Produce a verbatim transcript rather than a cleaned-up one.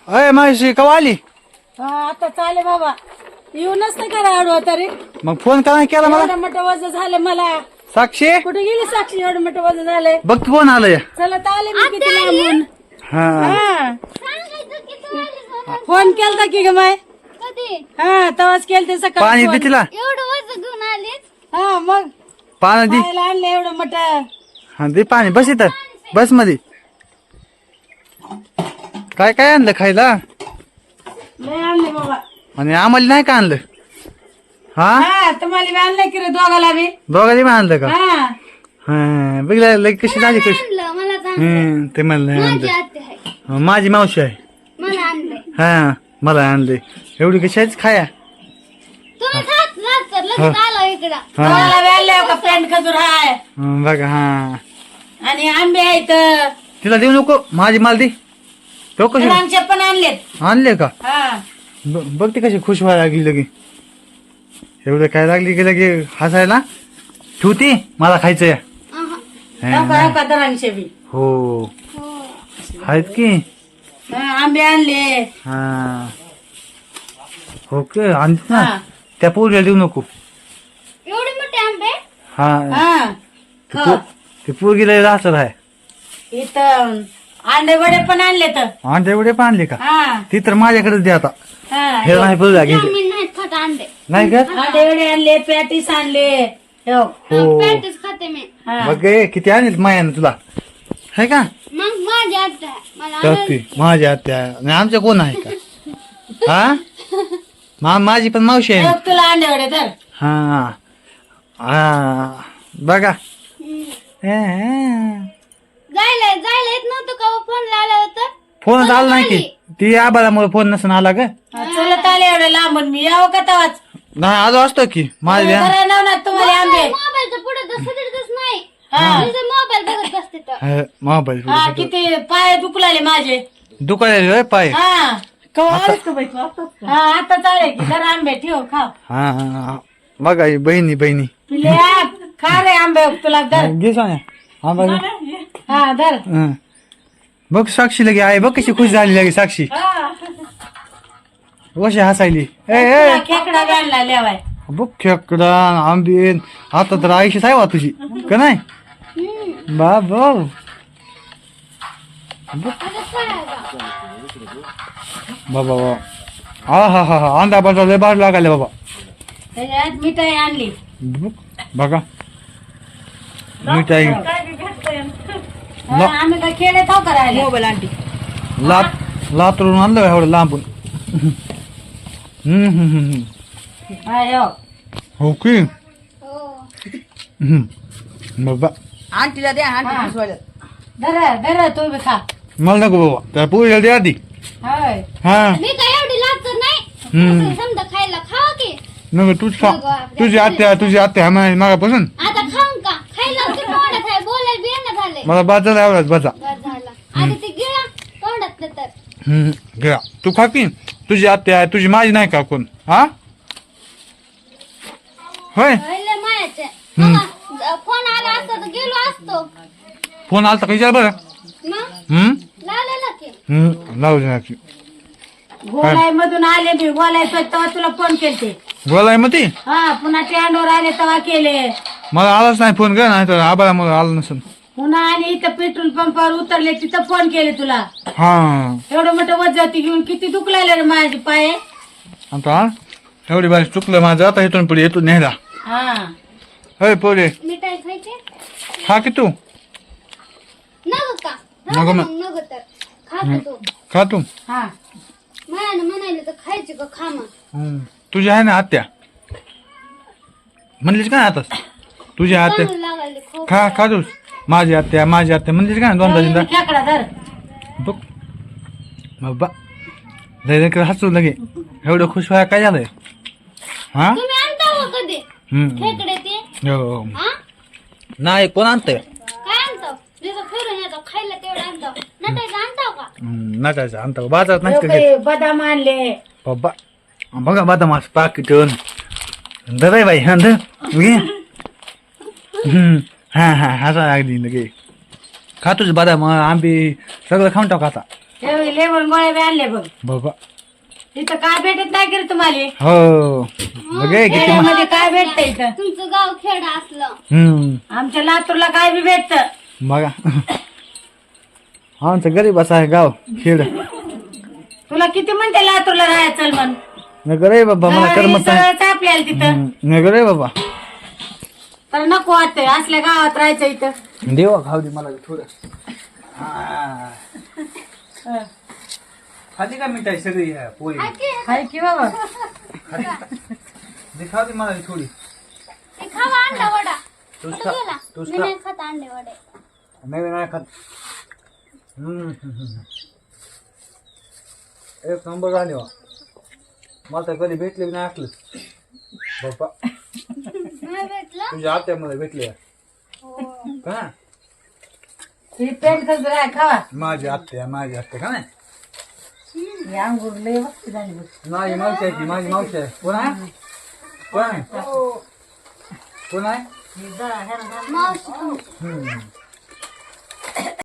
अय मावशी कवा आली? हा आता चाले बाबा येऊनच नाही करा आडवा तरी मग फोन का नाही केला मला? एवढं मोठं वजन झालं मला. साक्षी कुठे गेली साक्षी? एवढं मोठं वजन झालंय. बघ की कोण आलंय. चला तर आले मी किती लांबून. हा हा फोन केलता की ग माय? कधी हा तवाच केलते सकाळी पाणी फोन. दे तिला. एवढं वजन घेऊन आलीस? हा मग पाणी दे. खायला आणलं एवढं मोठं. हा दे पाणी. बस इथं बस मध्ये. काय काय आणलं खायला? लय आणले बाबा. आणि आम्हाला नाही का आणलं? हा हा तुम्हाला बी आणलंय की रे दोघाला बी. दोघांनी पण आणलं का? हा हा बघला लग कशी झाली कशी. आणलं मला तर हम्म ते मला नाही माझी आणलं. आत्या आहे माझी मावशी आहे. मला आणलंय. हा मला आणले. एवढी कशाच खाया. तुम्ही खात राहत कर लगेच आलो इकडं. हा दोघाला बी आणलंय का पेंट खजूर हाय हं, बघा हा आणि आंबे आहेत. तिला देऊ नको. माझी माल दे. तो कशी आमचे पण आणलेत. आणले का? हा ब- बघ ती कशी खुश व्हायला लागली लगे. एवढं काय लागली की लगे हसायला. ठेवती मला खायचंय. अहं. नका नका दरांचे बी. हो हो. आहेत की. हा, आंबे आणले. हा ओके आणत ना. हा. त्या पोरीला देऊ नको. एवढे मोठे आंबे? हा हा ते पो- ते पोरगीला राहत आहे. इथं अंडे वडे पण आणले तर. आणि तेवढे पण आणले का? हा ती तर माझ्याकडेच दे आता. हा हे नाही बघा घे. मी नाही खात अंडे. नाही का? अंडे वडे आणले पॅटीस आणले. हो. हो पॅटीस खाते मी. हा. मग ए, किती आणले मायानं तुला है का? मग माझी आत्या आहे. मला तर आणायला- ती माझ्या आत्या आणि आमच्या कोण आहे का? हा मा माझी पण मावशी आहे. बघ तुला अंडे वडे तर. हा हा बघा. हम्म. हे, हे. जायला जायला येत नव्हतं का फोन लावला होता? फोन आला नाही की. ती आबाळामुळे फोन नसून आला का? हा, चलत आले एवढं लांबून मी यावं का तवाच. नाही आलो असतो की माझ्या. बरं नवनाथ तुम्हाला आंबे. मोबाईलच्या पुढे तर सगळीच नाही. हा मोबाईल बघत बसते तर. मोबाईल हा किती पाय दुखलाले माझे. दुकान पाय. हा कवा आलेस का बाई तू? हा आता चालेल की जरा आंबे ठेव खाव. हा हा, हा बघा ही बहिणी बहिणी. पिले आ, खा रे आंबे तुला धर. घे सोन्या. हा बघ. हा धर. हं. बघ साक्षी लगे आहे. बघ कशी खुश झाली लगे साक्षी. कशी हसायली. ए ए तुला खेकडा बी आणला लेवाय. बघ खेकडा आंबीन. आता तर आयुष्य आहे वा तुझी का नाही? बाबा बाबा बाबा हा हा हा हा अंडा बंडा लय बाहेर लागायला बाबा. त्याच्यात मिठाई आणली. बघ, बघा मिठाई हा, आम्ही काय खेडे खाऊ करायला मोबाईल आणली. लात लातरून आणलं एवढं लांबून. हम्म हम्म हम्म हा यो. हो की. हो. हम्म बाबा आंटीला द्या आंटी धर धर तू बी खा. मला नको बाबा त्या पोरीला द्या आधी. होय हा मी काय एवढी लागत नाही. हम्म. असं समजा खायला खावा की. नको तूच खा. तुझी आत्या तुझी आत्या हा मागापासून आता खाऊन का? खायला किती तोंडात आहे. बोलायला बियाणं झालंय. मला बाजाला आवडत बाजा. बरं झालं. आता ते गिळा तोंडातलं तर. हम्म घ्या तू खा की. तुझी आत्या आहे तुझी माझी नाही का कोण? हा होय. लय मायाचे. हम्म. बघा, फोन आला असता तर गेलो असतो. फोन आलता का विचार बरं. मग हम्म लावलेला की. हम्म लावू दे की. गोलाई मधून आले मी गोलाई तेव्हा तुला फोन केलते. बोलाय मग ती. हा पुन्हा ते अंडोर आले तेव्हा केले. मला आलाच नाही फोन कर नाही तर आबाला मला आला नसेल. पुन्हा आणि इथं पेट्रोल पंपावर उतरले तिथं फोन केले तुला. हा एवढं मोठं वजती घेऊन किती दुखलाय रे माझे पाय. आता एवढी बारी चुकलं माझं. आता इथून पुढे येतो न्यायला. हा होय पोरे मिठाई खायची? खा की तू. नको का? नको नको मग. मग, नको तर. खा का तू. खा तू. हा म्हणायला म्हणायला तर खायची का? खा मग. हम्म. तुझी आहे ना आत्या म्हणलीस का आता तुझी आत्या. चांगलं लागायला खूप. खा खा तूच. माझी आत्या माझी आत्या म्हणलीस का दोनदा तीनदा. खेकडा धर. बघ बाबा लय हसू लगे. एवढं खुश व्हाय काय झालंय? हा तुम्ही आणता हो कधी हम्म खेकडे ते? हो. हा? नाही कोण आणतंय? काय आणतो? जसं फिरून येतो खायला तेवढं आणतो. नटायचं आणतो का? नटायचं आणता बाजारात नाही का घेत? हे बदाम आणले. बाबा बघा बदाम असं पाकिट धर आहे बाई. हा धर घे. हम्म हा हा हसा अगदी लगे. खा तुझं बदाम आंबे सगळं खाऊन टाक आता. हे लेमन गोळ्या बी आणले बघ. बाबा इथं काय भेटत नाही की रे तुम्हाला? हो बघे किती मा- खेड्यामध्ये काय भेटतं इथं? तुमचं गाव खेड असलं. हम्म आमच्या लातूरला काय बी भेटतं. बघा आमचं गरीबाचं आहे गाव खेड. तुला किती म्हणते लातूरला राहायचं चल म्हण. नगर आहे बाबा मला करमत नाही. सगळंच आपल्याला तिथं हम्म, नगर आहे बाबा. तर नको वाटतंय असल्या गावात राहायचं इथं. देवा खाऊ दे मला थोडं. हा. खाली का मिठाई सगळी ह्या पोळी हाय की बाबा. दे खाऊ दे मला थोडी. ते खावा अंडा वडा. तूच कुठं खा गेला? तूच मी खा नाही खात अंडे वडे. नाही नाही खात. हम्म, हम्म, हम्म. एक नंबर झाले वा. मला तर कधी भेटले बी नाही असलं बाप्पा. नाही भेटलं? तुझ्या आत्यामध्ये भेटले हो. का ही पेंट कसं राय खावा. माझी आत्या माझी आत्या का नाही ही अंगूर लय मस्त झाली बघ. माझी मावशी आहे ती माझी मावशी आहे. कोण आहे कोण आहे कोण आहे ही जरा ह्याला घाल. मावशी हम्म.